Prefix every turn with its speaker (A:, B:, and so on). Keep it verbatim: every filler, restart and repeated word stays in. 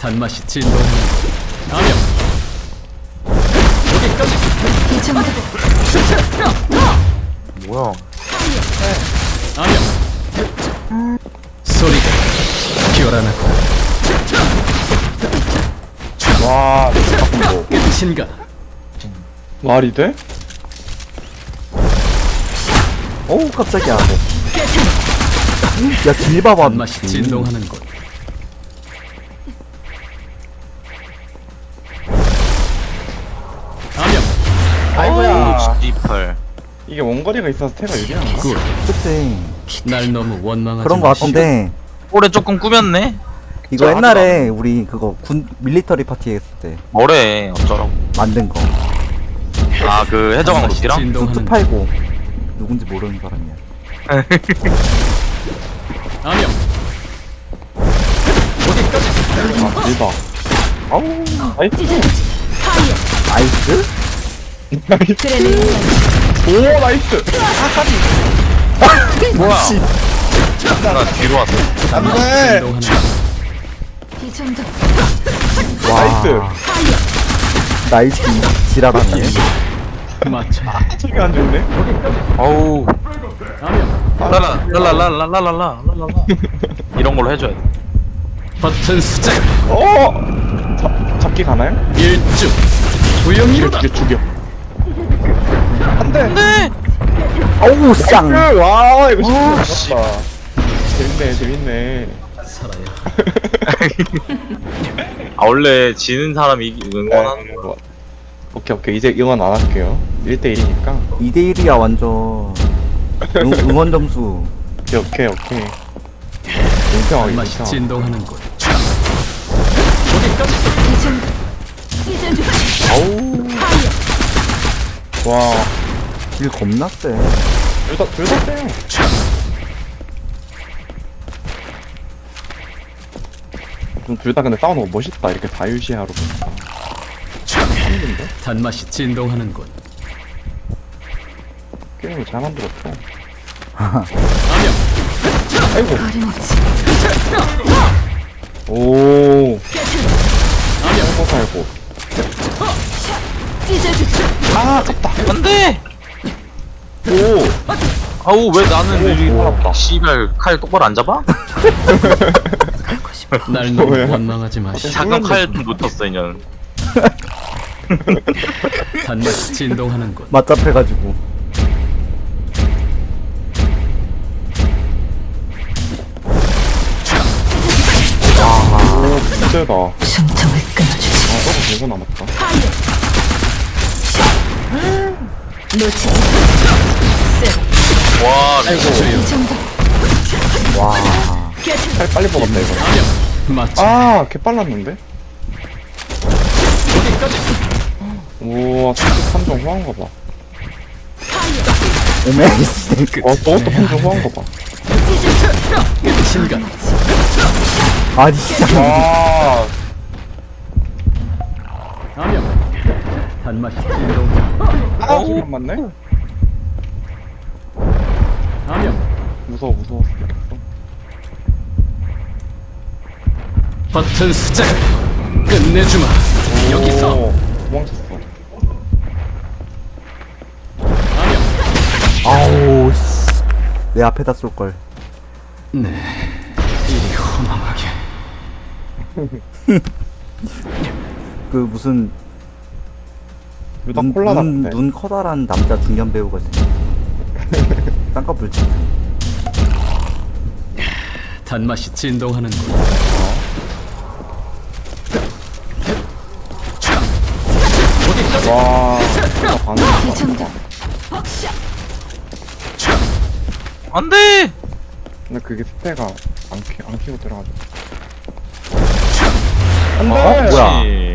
A: 단맛이 진동하는 암염. 여기까지.
B: 이 정도.
C: 뭐야?
A: 암염. 소리가 기어라나고
C: 와, 뭐.
A: 끝인가?
D: 말이 돼?
C: 어우, 깜짝이야. 야, 길 봐봐.
A: 단맛이 진동하는 곳. 암염.
C: 아이고야.
E: 씨팔.
D: 이게 원거리가 있어서 태가 유리한가?
A: 굿.
C: 그치.
A: 날 너무 원망하지
C: 그런 거
A: 마시고.
C: 같은데.
E: 올해 조금 꾸몄네.
C: 이거
E: 저
C: 옛날에 우리 그거 군 밀리터리 파티 했을 때
E: 뭐래 어쩌라고.
C: 만든 거.
E: 아 그 해적왕
A: 단맛이
E: 루피랑?
A: 진동하는
C: 쑥
A: 곳.
C: 팔고 누군지 모르는 사람이야.
A: 암염.
D: 아, 길다.
C: 아우,
D: 나이스.
C: 나이스?
D: 오, 나이스.
E: 뭐야?
C: 씨.
E: 나 뒤로 왔어.
D: 안돼.
A: 진동하는 곳.
B: 이 정도.
C: 와. 나이스. 지랄하네.
A: 맞춰.
D: 저기 안 좋네.
E: 어우.
A: 암염.
E: 랄라 랄랄랄랄랄랄랄라 이런 걸로 해줘야 돼.
A: 버튼 수작.
D: 어. 잡 잡기 가나요?
A: 일주.
D: 죽여
A: 조용히로다.
D: 죽여 죽여. 안돼.
E: 네.
C: 어우, 쌍.
D: 와 이거 진짜 맞다. 재밌네 재밌네.
A: 살아야.
E: 아 원래 지는 사람이 이기- 응원하는
D: 네, 뭐. 오케이 오케이 이제 응원 안 할게요. 일 대 일이니까.
C: 이 대 일이야, 완전. 응, 응원 점수.
D: 오케이 오케이 오케이. 인정하기
A: 단맛이
D: 인정.
A: 진동하는 곳.
B: 이 정도. 이 정도.
D: 아우. 와.
C: 길 겁나 세.
D: 둘다둘다 세요. 좀 둘 다 근데 싸우는 거 멋있다. 이렇게 자유시야로 보니까. 한인데
A: 단맛이 진동하는 곳.
D: 게임을 잘 만들었어.
A: 암염.
D: 아이고.
B: 어림없지.
D: 오.
A: 암염.
D: 살고 살고.
B: 찢어주지.
D: 아, 졌다.
E: 안돼.
D: 오.
E: 아우 왜 나는
D: 오,
E: 여기
D: 살았다.
E: 씨발 칼 똑바로 안 잡아?
B: 가고 싶어.
A: 날 너무
D: 뭐야?
A: 원망하지 마시고.
E: 잠깐 칼 놓쳤어 이년.
A: 단맛이 진동하는 곳.
C: 맞잡혀가지고.
D: 오, 진짜다. 아,
B: 숨통을 끊어주지.
D: 저거 계속 남았다.
B: 놓치지.
E: 와
B: 이 정도.
C: 와.
D: 팔 빨리 뽑았다, 이거.
A: 암염. 맞춰.
D: 아, 개 빨랐는데? 우와, 삼점 후한 거 봐.
C: 오메이스.
D: 와, 저것도 삼 점 후한 거 봐.
A: 끝인가?
C: 아니, 진짜.
D: 와,
A: 암염. 단맛이 진동하는 곳.
D: 아, 지금 맞네?
A: 암염.
D: 무서워, 무서워.
A: 버튼 수작. 끝내주마. 여기서.
D: 오, 도망쳤어.
A: 암염.
C: 아우, 씨. 내 앞에다 쏠걸.
A: 네. 이리 허망하게.
C: 그 무슨
D: 유다
C: 눈,
D: 콜라
C: 눈,
D: 같은데.
C: 눈 커다란 남자 중년 배우가 생겼어. 쌍꺼풀 치.
A: 단맛이 진동하는 곳.
D: 와, 진짜 반응.
B: 이 정도.
E: 안돼.
D: 근데 그게 스페가 안, 키, 안 키고 들어가죠.
E: 아,
D: 안 돼!
C: 뭐야?
E: 그렇지.